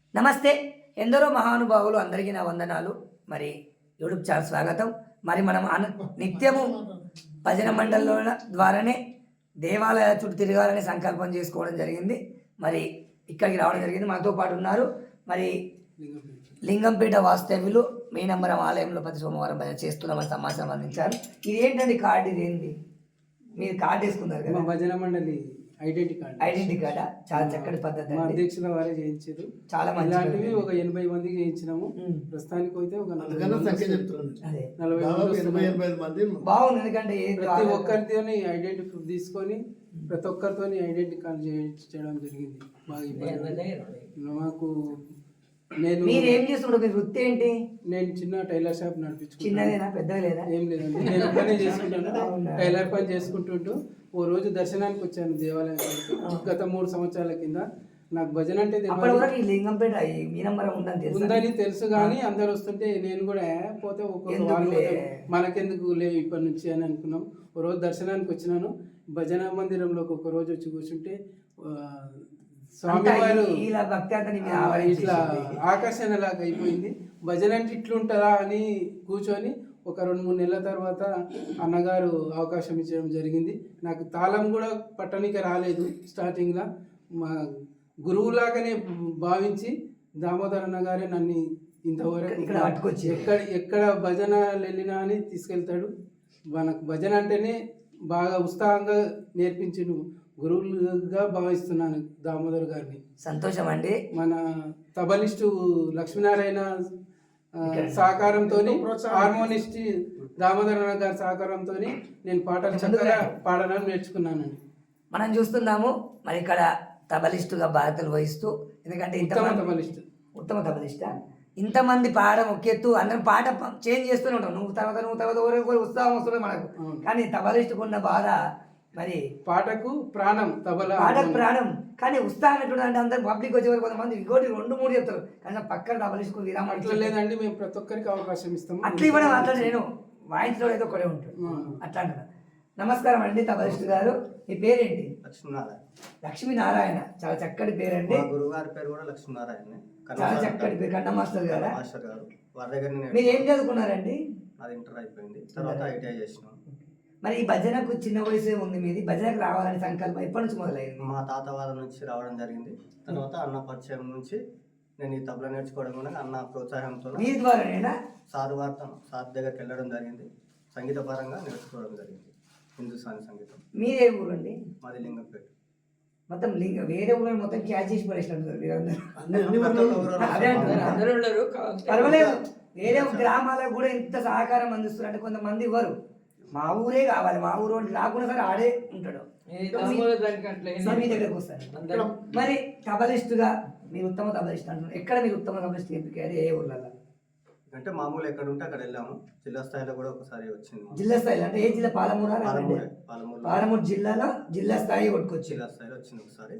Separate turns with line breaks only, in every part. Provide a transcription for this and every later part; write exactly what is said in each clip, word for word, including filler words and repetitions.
నమస్తే. ఎందరో మహానుభావులు అందరికీ నా వందనాలు. మరి యూట్యూబ్ ఛానల్ స్వాగతం. మరి మనం అన నిత్యము భజన మండలిల ద్వారానే దేవాలయాల చుట్టూ తిరగాలని సంకల్పం చేసుకోవడం జరిగింది. మరి ఇక్కడికి రావడం జరిగింది. మనతో పాటు ఉన్నారు మరి లింగంపేట వాస్తవ్యులు మీనంబరం ఆలయంలో ప్రతి సోమవారం భజన చేస్తున్నామని సమాచారం అందించారు. ఇది ఏంటండి కార్డు? ఇది ఏంటి? మీరు కార్డు వేసుకున్నారు కదా,
భజన మండలి ఐడెంటిటీ కార్డు.
ఐడెంటిటీ కార్డా? చాలా చక్కటి పద్ధతి.
మా అధ్యక్షుల వారే చేయించారు.
చాలా మంది
ఇలాంటివి ఒక ఎనభై మందికి చేయించినాము. ప్రస్తుతానికి అయితే ఒక నలభై మంది
బాగుంది. ఎందుకంటే
ప్రతి ఒక్కరితోని ఐడెంటిటీ ప్రూఫ్ తీసుకొని ప్రతి ఒక్కరితో ఐడెంటిటీ కార్డు చేయించడం జరిగింది. బాగా ఇబ్బంది మాకు. నేను
మీరు ఏం చేస్తున్నారు? మీ వృత్తి ఏంటి?
నేను చిన్న టైలర్ షాప్ నడిపించుకుంటాను.
చిన్నదేనా పెద్దగా లేదా?
ఏం లేదండి, నేను పని చేసుకుంటాను. టైలర్ పని చేసుకుంటుంటూ ఓ రోజు దర్శనానికి వచ్చాను దేవాలయానికి. గత మూడు సంవత్సరాల కింద నాకు భజన అంటే
లింగంపేట మీనంబరం
ఉందని తెలుసు, కానీ అందరు వస్తుంటే నేను కూడా పోతే ఒక్కొక్క వాళ్ళు మనకెందుకు లే ఇప్పటి నుంచి అని అనుకున్నాం. ఓ రోజు దర్శనానికి వచ్చినాను. భజన మందిరంలోకి ఒక రోజు వచ్చి కూర్చుంటే స్వామివారు ఇట్లా ఆకర్షణ లాగా అయిపోయింది. భజన అంటే ఇట్లుంటారా అని కూర్చొని ఒక రెండు మూడు నెలల తర్వాత అన్నగారు అవకాశం ఇచ్చడం జరిగింది. నాకు తాళం కూడా పట్టణిక రాలేదు స్టార్టింగ్లో. మా గురువులాగానే భావించి దామోదర్ అన్నగారే నన్ను ఇంతవరకు ఎక్కడ ఎక్కడ భజన వెళ్ళినా అని తీసుకెళ్తాడు. మనకు భజన అంటేనే బాగా ఉత్సాహంగా నేర్పించిన గురువులుగా భావిస్తున్నాను దామోదర్ గారిని.
సంతోషం అండి.
మన తబలిస్టు లక్ష్మీనారాయణ సహకారంతో, హార్మోనిస్ట్ దామోదర్ గారి సహకారంతో నేను పాటలు చక్కగా పాడడం నేర్చుకున్నానండి.
మనం చూస్తున్నాము మరి ఇక్కడ తబలిస్టుగా బాధ్యతలు వహిస్తూ, ఎందుకంటే
ఉత్తమ తబలిస్ట్
ఉత్తమ తబలిస్ట ఇంతమంది పాడడం ఒక ఎత్తు, అందరం పాట చేంజ్ చేస్తూనే ఉంటాం. నువ్వు తర్వాత నువ్వు తర్వాత ఒకరికి ఉత్సాహం వస్తుంది మనకు. కానీ తబలిస్టుకు ఉన్న బాధ మరి
పాటకు ప్రాణం, తబలా
పాటకు ప్రాణం. కానీ ఉత్సాహం ఎట్లుంటే అంటే అందరు పబ్లిక్ వచ్చేవారు కొంతమంది ఇంకోటి రెండు మూడు చెప్తారు, కానీ పక్కన తబలిస్టుకు విరామం
అట్లా లేదండి. మేము ప్రతి ఒక్కరికి అవకాశం ఇస్తాము.
అట్లా ఇవ్వడం అట్లా నేను వాయించడం ఏదో ఒకటే ఉంటుంది అట్లా అంటున్నా. నమస్కారం అండి తబలిస్టు గారు, మీ పేరేంటి?
లక్ష్మీనారాయణ.
లక్ష్మీనారాయణ, చాలా చక్కటి పేరండి.
గురువు గారి పేరు కూడా లక్ష్మీనారాయణ.
చాలా చక్కటి పేరు. కన్న మాస్టర్ గారు
మాస్టర్ గారు వారి దగ్గర
మీరు ఏం చదువుకున్నారండి?
అది ఇంటర్ అయిపోయింది, తర్వాత ఐటీఐ చేసినాం.
మరి ఈ భజనకు చిన్న వయసే ఉంది మీది, భజనకు రావాలని సంకల్పం ఎప్పటి నుంచి మొదలైంది?
మా తాత వాళ్ళ నుంచి రావడం జరిగింది. తర్వాత అన్న పరిచయం నుంచి నేను ఈ తబలా నేర్చుకోవడం కూడా అన్న ప్రోత్సాహంతో
మీ ద్వారానేనా?
సారు వార్త సార్ దగ్గరికి వెళ్ళడం జరిగింది. సంగీత పరంగా నేర్చుకోవడం జరిగింది, హిందుస్థానీ సంగీతం.
మీరే ఊరు అండి?
మాది లింగంపేట.
మొత్తం లింగ వేరే ఊళ్ళో మొత్తం క్యాచ్ చేసి పడేసినట్టు పర్వాలేదు. వేరే గ్రామాలకు కూడా ఇంత సహకారం అందిస్తున్నారు అంటే కొంతమంది ఇవ్వరు. మా ఊరే కావాలి, మా ఊరు రాకుండా సరే ఆడే ఉంటాడు. మీ దగ్గరకు వస్తారు. మరి తబలిస్టుగా మీరు ఉత్తమ తబలిస్ట్ అంటున్నారు. ఎక్కడ మీరు ఉత్తమ తబలిస్ట్ ఎంపిక? ఏ ఊర్లలో?
అంటే మామూలు ఎక్కడ ఉంటే అక్కడ వెళ్ళాము. జిల్లా స్థాయిలో కూడా ఒకసారి వచ్చింది.
జిల్లా స్థాయిలో అంటే ఏ జిల్లా? పాలమూరు.
పాలమూరు
పాలమూరు జిల్లాలో జిల్లా స్థాయి కొట్టుకొచ్చి
జిల్లా స్థాయిలో వచ్చింది ఒకసారి.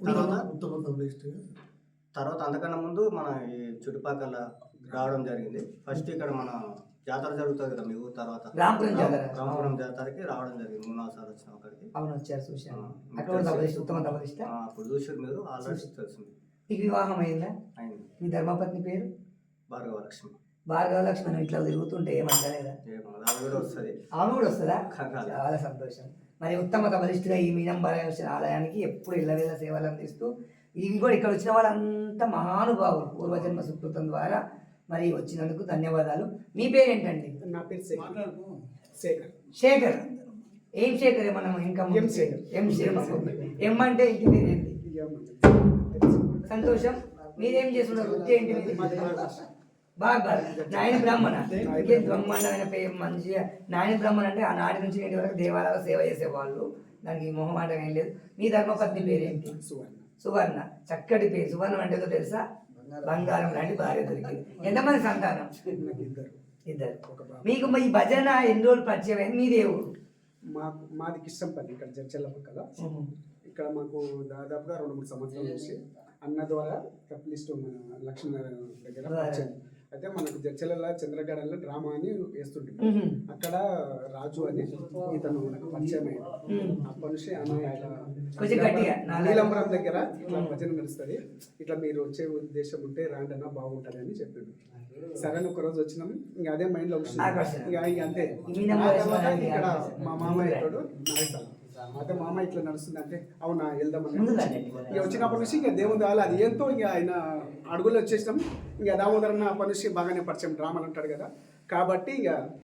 తర్వాత అంతకన్నా ముందు మన ఈ చుట్టుపక్కల రావడం జరిగింది. ఫస్ట్ ఇక్కడ మన జాతర జరుగుతుంది కదా మీ ఊరు, తర్వాత
రాంపురం జాతర
రాంపురం జాతరకి రావడం జరిగింది. మూడు నాలుగు సార్లు వచ్చినాం అక్కడికి.
అవును, వచ్చారు, చూసాను. ఉత్తమ తబలిస్ట్
అప్పుడు చూసారు మీరు, ఆల్రెడీ తెలిసింది.
మీకు వివాహం అయిందా?
అయింది.
మీ ధర్మపత్ని పేరు?
భార్గవ లక్ష్మి.
భార్గవ లక్ష్మి ఇట్లా తిరుగుతుంటే ఏమంటలేదా?
ఆమె కూడా వస్తుంది.
ఆమె కూడా వస్తుందా? చాలా సంతోషం. మరి ఉత్తమ తబలిస్టుగా ఈ మీనంబరం వచ్చిన ఆలయానికి ఎప్పుడు ఇళ్ళవేళ సేవలు అందిస్తూ, ఇవి కూడా ఇక్కడ వచ్చిన వాళ్ళంతా మహానుభావులు పూర్వజన్మ సుకృతం ద్వారా మరి వచ్చినందుకు ధన్యవాదాలు. మీ పేరేంటండి?
నా పేరు శేఖర్.
శేఖర్. ఏం శేఖర్? మనం ఇంకా ఎం శేఖర్. ఎం శేఖర్. ఎం అంటే ఇంటి పేరేంటి? సంతోషం. మీరేం చేస్తున్నారు? వృత్తి ఏంటి? బాగా నాయన బ్రాహ్మణ. ఇంకేం బ్రహ్మాండమైన పేరు మంచిగా. నాయన బ్రాహ్మణ అంటే ఆ నాటి నుంచి నేటి వరకు దేవాలయాలు సేవ చేసేవాళ్ళు, దానికి మొహమాటం ఏం లేదు. మీ ధర్మపత్ని పేరేంటి? సువర్ణ. చక్కటి పేరు. సువర్ణం అంటే తెలుసా? బంగారం లాంటి భార్య దొరికింది. ఎంతమంది సంతానం? ఇద్దరు. మీకు ఈ భజన ఎన్ని రోజులు పరిచయం అయింది? మీదే ఊరు?
మాకు మాది కిష్టంపల్లి, ఇక్కడ జడ్చల్ల పక్కల. ఇక్కడ మాకు దాదాపుగా రెండు మూడు సంవత్సరాలు వచ్చి అన్న ద్వారా తప్లిస్ట్ మన లక్ష్మీనారాయణ దగ్గర అయితే మనకు జడ్చల చంద్రగడలో డ్రామా అని వేస్తుంటే
మ్మ్.
అక్కడ రాజు అని ఇతను నాకు పరిచయం అయ్యాడు. అప్పటి నుంచి అన్న ఇట్లా
కొంచెం గట్టిగా, నాలుగు-
నీలంబరం దగ్గర ఇట్లా భజన నడుస్తుంది, ఇట్లా మీరు వచ్చే ఉద్దేశం ఉంటే రాండి అన్న బాగుంటుంది అని చెప్పిండు. సరే అని ఒక రోజు వచ్చినాం, ఇంకా అదే మైండ్ లో వచ్చింది.
ఆకర్షణ.
ఇక ఇక అంతే.
ఈ మీద
ఆ తర్వాత
వేసుకున్నది
ఇక్కడ
ఆకర్షణ.
మా మామ ఇతడు నాయకుడు. అయితే మామ ఇట్లా నడుస్తుంది అంటే అవునా వెళ్దామని
ముందుగా
ఇక వచ్చినప్పటి నుంచి ఇంకా దేవుడు వాళ్ళు అది ఏంతో ఇక ఆయన అడుగులు వచ్చేసినాం. ఇంకా దామోదరన్న అప్పటి నుంచి బాగానే పరిచయం డ్రామాలు అంటాడు కదా, కాబట్టి ఇక